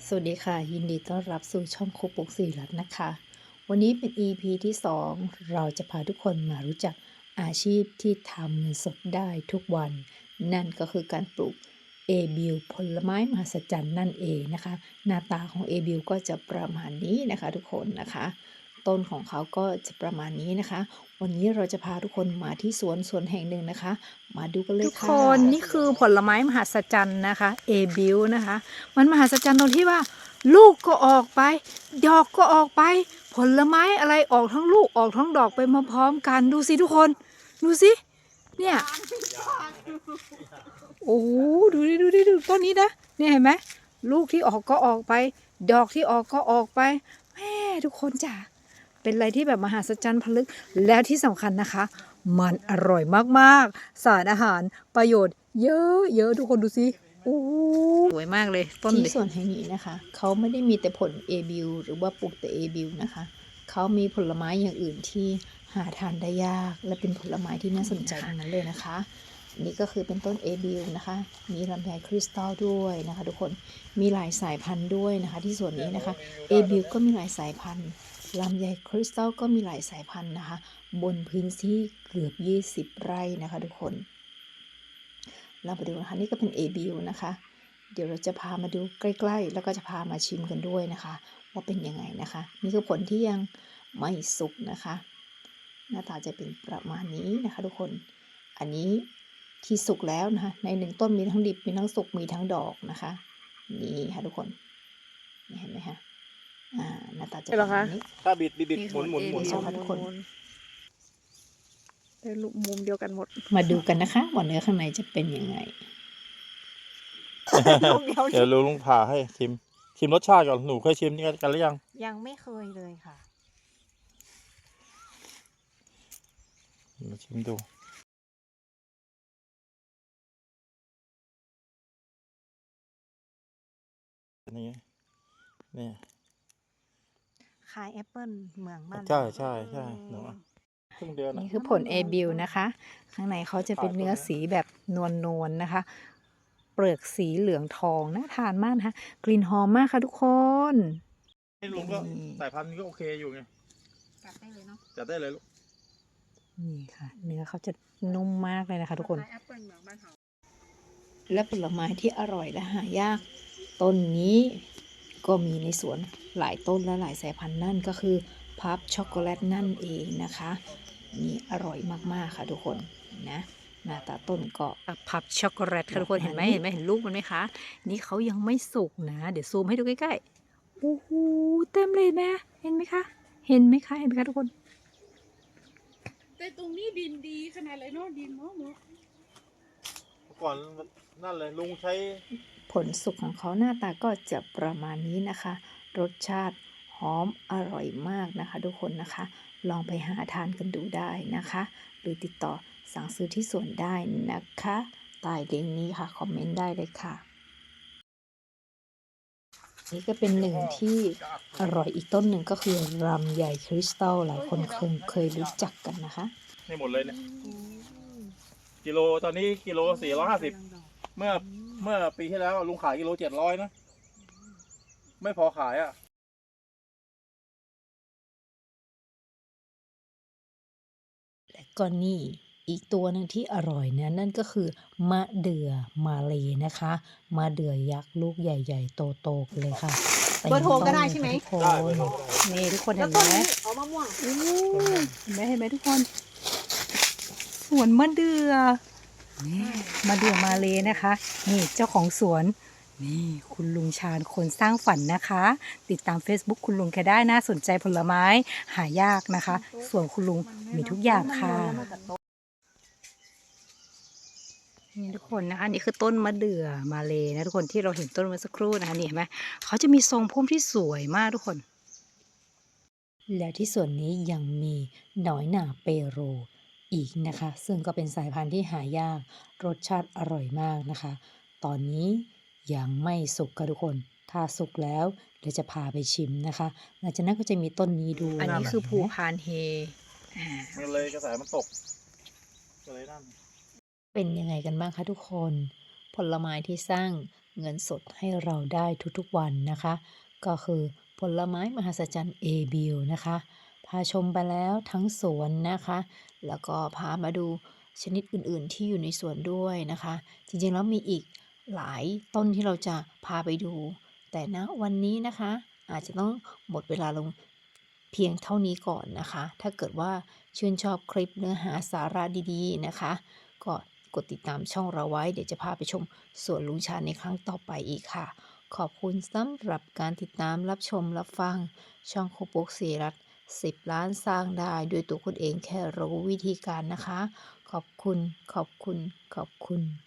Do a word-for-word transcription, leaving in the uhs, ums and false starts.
สวัสดีค่ะยินดีต้อนรับสู่ช่องครูปลุกศิริรัตน์นะคะวันนี้เป็น อี พี ที่สองเราจะพาทุกคนมารู้จักอาชีพที่ทำเงินสดได้ทุกวันนั่นก็คือการปลูกเอบิวผลไม้มหัศจรรย์นั่นเองนะคะหน้าตาของเอบิวก็จะประมาณนี้นะคะทุกคนนะคะต้นของเขาก็จะประมาณนี้นะคะวันนี้เราจะพาทุกคนมาที่สวนสวนแห่งหนึ่งนะคะมาดูกันเลยทุกคค่ะนนี่คือผลไม้มหัศจรรย์นะคะเอบิวนะคะมันมหัศจรรย์ตรงที่ว่า ลูกก็ออกไปดอกก็ออกไป ผลไม้อะไรออกทั้งลูกออกทั้งดอกไปมาพร้อมกันดูสิทุกคนดูสิเนี่ยโอ้ดูดิดูดิดูต้นนี้นะเนี่ยเห็นไหมลูกที่ออกก็ออกไป ดอกที่ออกก็ออกไปแม่ทุกคนจ้ะเป็นอะไรที่แบบมหัศจรรย์พลึกแล้วที่สำคัญนะคะ มันอร่อยมากๆสารอาหารประโยชน์เยอะเยอะทุกคนดูสิโอ้สวยมากเลยต้นที่เลยสวนแห่งนี้นะคะเขาไม่ได้มีแต่ผลเอบิวหรือว่าปลูกแต่เอบิวนะคะเขามีผลไม้อย่างอื่นที่หาทานได้ยากและเป็นผลไม้ที่น่าสนใจทั้งนั้นเลยนะคะนี่ก็คือเป็นต้นเอบิวนะคะมีลำไยคริสตัลด้วยนะคะทุกคนมีหลายสายพันธุ์ด้วยนะคะที่สวนนี้นะคะเอบิวก็มีหลายสายพันธุ์ลำไยคริสตัลก็มีหลายสายพันธุ์นะคะบนพื้นที่เกือบยี่สิบไร่นะคะทุกคนเราไปดูนะคะนี่ก็เป็นเอบิวนะคะเดี๋ยวเราจะพามาดูใกล้ๆแล้วก็จะพามาชิมกันด้วยนะคะว่าเป็นยังไงนะคะนี่คือผลที่ยังไม่สุกนะคะหน้าตาจะเป็นประมาณนี้นะคะทุกคนอันนี้ที่สุกแล้วนะคะในหนึ่งต้นมีทั้งดิบมีทั้งสุกมีทั้งดอกนะคะนี่ค่ะทุกคนนี่เห็นไหมคะอ่าหน้าตาจะประมาณนี้ถ้าบิดบิดบิดหมุนหมุนหมุนนี่ค่ะทุกคนได้ลูกมุมเดียวกันหมดมาดูกันนะคะว่าเนื้อข้างในจะเป็นยังไงลูกเดียวเดี๋ยวลุงผ่าให้ชิมชิมรสชาติก่อนหนูเคยชิมนี่กันหรือยังยังไม่เคยเลยค่ะมาชิมดูนี่นี่คายแอปเปิลเมืองบ้านใช่ใช่ใช่หนูอะครึ่งเดือนนี่อะคือผลเอบิวนะคะ ข้างในเขาจะเป็นเนื้อสีแบบนวลๆนะคะ เปลือกสีเหลืองทองน่าทานมากนะคะกลิ่นหอมมากค่ะทุกคนนี่ลุงก็สายพันธุ์นี้ก็โอเคอยู่ไงจัดได้เลยเนาะจัดได้เลยลูกนี่ค่ะ เนื้อเขาจะนุ่มมากเลยนะคะทุกคนคายแอปเปิลเมืองบ้านเฮาและผลไม้ที่อร่อยและหายากต้นนี้ก็มีในสวนหลายต้นและหลายสายพันธุ์นั่นก็คือพับช็อกโกแลตนั่นเองนะคะนี่อร่อยมากๆค่ะทุกคนนะหน้าตาต้นก็พับช็อกโกแลตค่ะทุกคนเห็นไหมเห็นไหมเห็นลูกมันไหมคะนี่เขายังไม่สุกนะเดี๋ยวซูมให้ดูใกล้ๆโอ้โหเต็มเลยนะเห็นไหมคะเห็นไหมคะเห็นไหมคะทุกคนแต่ตรงนี้ดินดีขนาดเลยเนาะดินเนาะเนาะก่อนนั่นเลยลุงใช้ผลสุกของเขาหน้าตาก็จะประมาณนี้นะคะ รสชาติหอมอร่อยมากนะคะทุกคนนะคะ ลองไปหาทานกันดูได้นะคะ หรือติดต่อสั่งซื้อที่สวนได้นะคะใต้ลิงก์นี้ค่ะคอมเมนต์ได้เลยค่ะ นี่ก็เป็นหนึ่งที่อร่อยอีกต้นหนึ่งก็คือลำไยคริสตัลหลายคนคงเคยรู้จักกันนะคะให้หมดเลยเนี่ยกิโลตอนนี้กิโลสี่ร้อยห้าสิบเมื่อเมื่อปีที่แล้วลุงขายกิโลเจ็ดร้อยนะไม่พอขายอ่ะและก็นี่อีกตัวหนึ่งที่อร่อยนะนั่นก็คือมะเดื่อมาเลนะคะมะเดื่อยักษ์ลูกใหญ่ๆโตๆกันเลยค่ะเบอร์โทรก็ได้ใช่ไหมทุกคนได้เบอร์โทรก็ได้นี่ทุกคนแล้เห็วน ต้นไหมนี้เอามะม่วงโอ้เห็นไหมเห็นไหมทุกคนสวนมะเดื่อนี่มะเดื่อมาเลยนะคะ นี่เจ้าของสวนนี่คุณลุงชาญคนสร้างฝันนะคะ ติดตาม Facebook คุณลุงแกได้น่าสนใจผลไม้หายากนะคะ ส่วนคุณลุงมีทุกอย่างค่ะนี่ทุกคนนะคะนี่คือต้นมะเดื่อมาเลยนะทุกคนที่เราเห็นต้นเมื่อสักครู่นะคะนี่เห็นไหมเขาจะมีทรงพุ่มที่สวยมากทุกคนแล้วที่ส่วนนี้ยังมีหน้อยหน่าเปโรอีกนะคะ ซึ่งก็เป็นสายพันธุ์ที่หายากรสชาติอร่อยมากนะคะ ตอนนี้ยังไม่สุกค่ะทุกคน ถ้าสุกแล้วเดี๋ยวจะพาไปชิมนะคะหลังจากนั้นก็จะมีต้นนี้ดูอันนี้คือภูพานเฮอ่ามันเลยกระแสมันตกก็เลยนั่นเป็นยังไงกันบ้างคะทุกคน ผลไม้ที่สร้างเงินสดให้เราได้ทุกๆวันนะคะ ก็คือผลไม้มหัศจรรย์ เอ บิล นะคะ พาชมไปแล้วทั้งสวนนะคะ แล้วก็พามาดูชนิดอื่นๆที่อยู่ในสวนด้วยนะคะ จริงๆแล้วมีอีกหลายต้นที่เราจะพาไปดู แต่ณวันนี้นะคะ อาจจะต้องหมดเวลาลงเพียงเท่านี้ก่อนนะคะ ถ้าเกิดว่าชื่นชอบคลิปเนื้อหาสาระดีๆนะคะ ก็กดติดตามช่องเราไว้ เดี๋ยวจะพาไปชมสวนลุงชาญในครั้งต่อไปอีกค่ะ ขอบคุณสำหรับการติดตามรับชมรับฟังช่องครูปุ๊กศรีรัตน์สิบล้านสร้างได้ด้วยตัวคุณเองแค่รู้วิธีการนะคะ ขอบคุณ ขอบคุณ ขอบคุณ